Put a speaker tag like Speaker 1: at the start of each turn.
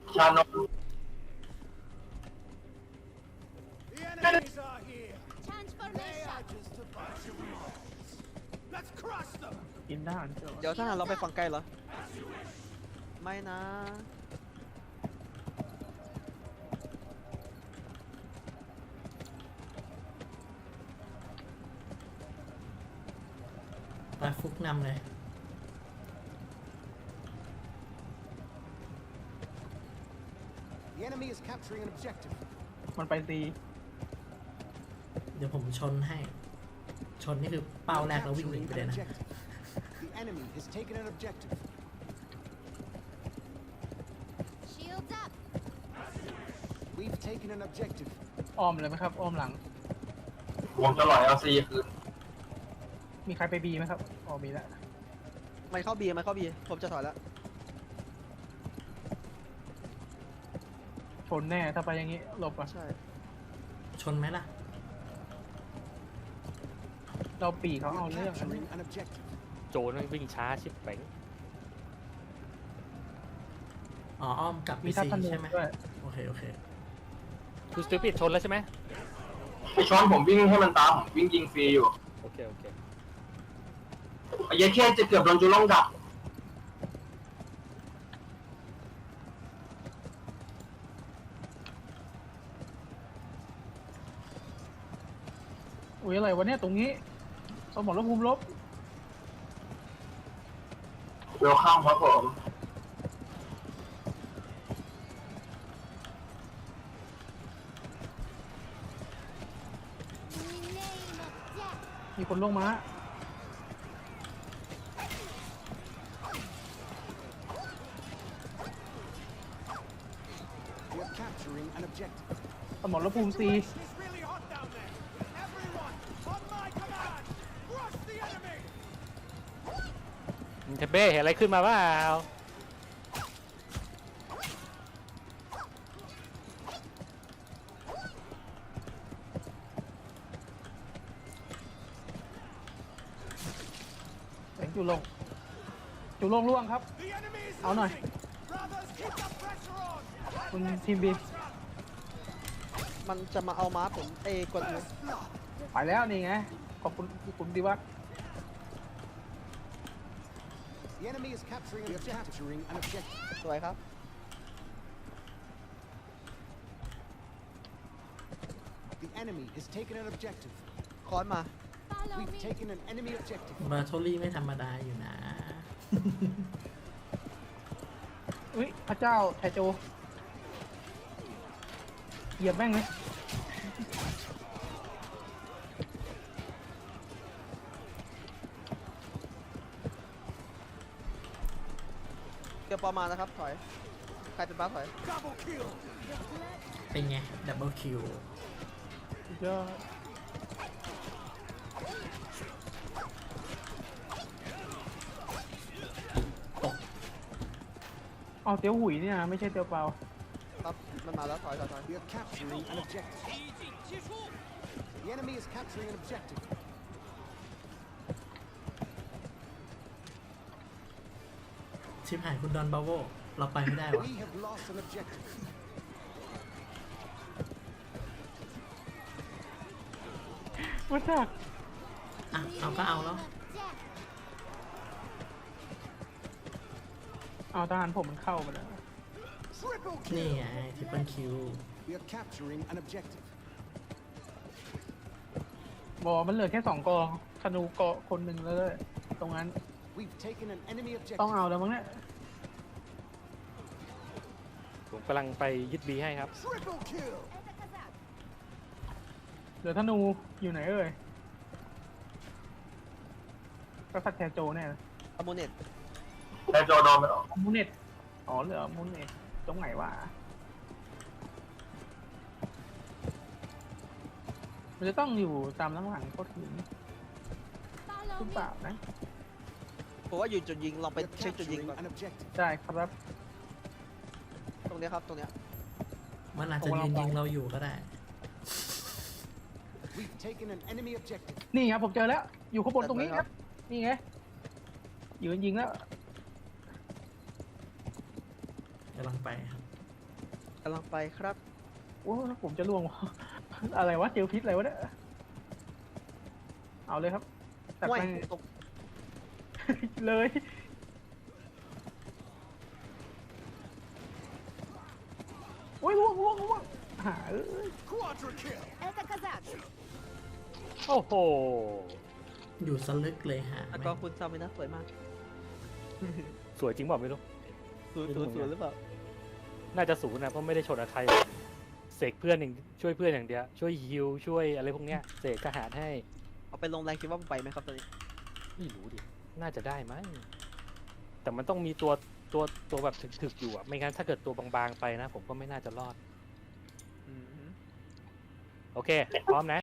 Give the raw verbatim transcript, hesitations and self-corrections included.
Speaker 1: ชานม
Speaker 2: The enemies are here. They are just a bunch of morons. Let's crush them.
Speaker 3: กินทหารเจอ
Speaker 4: เดี๋ยวทหารเราไปฝั่งไกลเหรอไม่นะ
Speaker 5: ไปฟุกนำเลย
Speaker 2: The enemy is capturing an objective.
Speaker 3: มันไปตี
Speaker 5: เดี๋ยวผมชนให้ ชนนี่คือเป้าแรกแล้ววิ่งหนีไปเลยนะ
Speaker 2: The enemy has taken an objective.
Speaker 6: Shields up.
Speaker 2: We've taken an objective.
Speaker 3: อ้อมเลยไหมครับอ้อมหลัง
Speaker 1: ผมจะหล่อยเอาซีคืน
Speaker 3: มีใครไปบีไหมครับอ๋อมีแล้ว
Speaker 4: ไม่เข้าบีไม่เข้าบีผมจะถอยแล้ว
Speaker 3: ชนแน่ถ้าไปอย่างนี้หลบก่อน
Speaker 4: ใช่
Speaker 5: ชนไหมล่ะ
Speaker 3: เราปีเขาเอา
Speaker 2: We're
Speaker 3: เรื่องอันนี้
Speaker 2: capturing an objective.
Speaker 7: โจรมันวิ่งช้าชิบเป๋ง
Speaker 5: อ๋ออ้อมกลับไป
Speaker 3: มีทัพ
Speaker 5: ซี
Speaker 3: ธนู
Speaker 5: ใช่ไหม
Speaker 3: ด้วย
Speaker 5: โอเคโอเค
Speaker 7: คือสตูปิดชนแล้วใช่ไหม
Speaker 1: ไอช้อนผมวิ่งให้มันตามผมวิ่งยิงฟรีอยู่
Speaker 7: โอเคโอเค
Speaker 1: ไอ้ยัยแค่จะเกือบโดนจูล่องดัก
Speaker 3: อุ้ยอะไรวะเนี่ยตรงนี้สมรภูมิลบ
Speaker 1: เวลคัมครับผม
Speaker 3: มีคนลงมา
Speaker 2: We're capturing an objective.
Speaker 3: สมรภูมิซี
Speaker 2: It's really hot down there. Everyone, on my command, crush the enemy.
Speaker 7: เทเบ้เห็นอะไรขึ้นมาเปล่า
Speaker 3: แสงจุลงจุลงล่วงครับ
Speaker 2: The enemy is
Speaker 3: Áo này.
Speaker 2: losing. Brothers, keep the pressure on.
Speaker 3: คุณทีมบี
Speaker 4: มันจะมาเอาม้าผมเอกด
Speaker 2: First blood.
Speaker 3: ไปแล้วนี่ไงขอบคุณคุณดีวัฒน์
Speaker 2: The enemy is capturing an objective. Capturing an objective.
Speaker 4: สวยครับ
Speaker 2: The enemy has taken an objective.
Speaker 4: คอนมา
Speaker 6: Follow
Speaker 2: We've
Speaker 6: me.
Speaker 2: taken an enemy objective.
Speaker 5: บาโทลี่ไม่ธรรมดาอยู่นะ
Speaker 3: อุ้ยพระเจ้าไทโจเหยียบแม่งเลย
Speaker 4: เดี๋ยวปอมานะครับถอยใครเป็นบ้าถอย
Speaker 2: Double kill.
Speaker 5: เป็นไง ดับเบิลคิว
Speaker 3: สุดยอดเอาเตี้ยวหุยเนี่ยนะไม่ใช่เตี้ยวเปล่า
Speaker 4: ครับมันมาแล้วถอยถอยถอย
Speaker 2: We are capturing an objective. The enemy is capturing an objective.
Speaker 5: ชิบหายคุณดอนบาโวเราไปไม่ได้วะ
Speaker 2: We have lost an objective.
Speaker 3: ว่าจาก
Speaker 5: อ่ะ เอาก็เอาแล้ว
Speaker 3: เอาทหารผมมันเข้าไปแล้ว
Speaker 2: Triple
Speaker 5: นี่
Speaker 2: kill.
Speaker 5: ไงทริปเปิลคิว
Speaker 2: We are capturing an objective.
Speaker 3: บอกมันเหลือแค่สองกองธนูเกาะคนหนึ่งแล้วเลยตรงนั้น
Speaker 2: We've taken an enemy
Speaker 3: ต้อง
Speaker 2: objective.
Speaker 3: เอาแล้วมั้งเนี่ย
Speaker 7: ผมกำลังไปยึดบีให้ครับ
Speaker 2: Triple kill.
Speaker 3: เหลือธนูอยู่ไหนเอ่ยกษัตริย์แทโจเนี่ย
Speaker 4: อมูเน็ต
Speaker 1: แต่โจโดนไปแล้ว
Speaker 3: มูเน็ตอ๋อเหลือมูเน็ตตรงไหนวะมันจะต้องอยู่ตามหลังๆโคตรหิน
Speaker 6: Follow
Speaker 3: หรือ
Speaker 6: me.
Speaker 3: เปล่านะ
Speaker 4: ผมว่าอยู่จุดยิงลองไป
Speaker 2: We're
Speaker 4: เช็คจุดยิง
Speaker 2: capturing
Speaker 4: ก่อน
Speaker 2: an objective.
Speaker 3: ได้ครับ
Speaker 4: ตรงเนี้ยครับตรงเนี้ย
Speaker 5: มันอาจจะยืนยิงเราอยู่ก็ได้
Speaker 2: We've taken an enemy objective.
Speaker 3: นี่ครับผมเจอแล้ว อยู่ข้างบนตรงนี้ครับ นี่ไงยืนยิงแล้ว
Speaker 5: กำลังไปครับ
Speaker 4: กำลังไปครับ
Speaker 3: โอ้ผมจะล่วง อะไรวะเจลพิษอะไรวะเนี่ยเอาเลยครับจัด
Speaker 4: ห่วย
Speaker 3: ไป
Speaker 4: ตก
Speaker 3: เลยโอ้ยล่วงล่วงล่วงหาเอ้ย
Speaker 2: Quadra kill.
Speaker 6: Это казак.
Speaker 7: โอ้โห
Speaker 5: อยู่สลึกเลยฮะ
Speaker 4: แล้วก็คุณซามินะสวยมาก
Speaker 7: สวยจริงเปล่าไม่รู้
Speaker 4: ศูนย์ศูนย์ศูนย์หรือเปล่า
Speaker 7: น่าจะศูนย์นะเพราะไม่ได้ชนกับใครเสกเพื่อนอย่างช่วยเพื่อนอย่างเดียวช่วยฮิวช่วยอะไรพวกเนี้ยเสกทหารให้
Speaker 4: เอาไปลงแรงคิดว่าไปไหมครับตอนนี้
Speaker 7: ไม่รู้ดิน่าจะได้มั้งแต่มันต้องมีตัวตัวตัวแบบถึกๆอยู่อ่ะไม่งั้นถ้าเกิดตัวบางๆไปนะ ผมก็ไม่น่าจะรอด
Speaker 4: อืม
Speaker 7: โอเค พร้อมนะ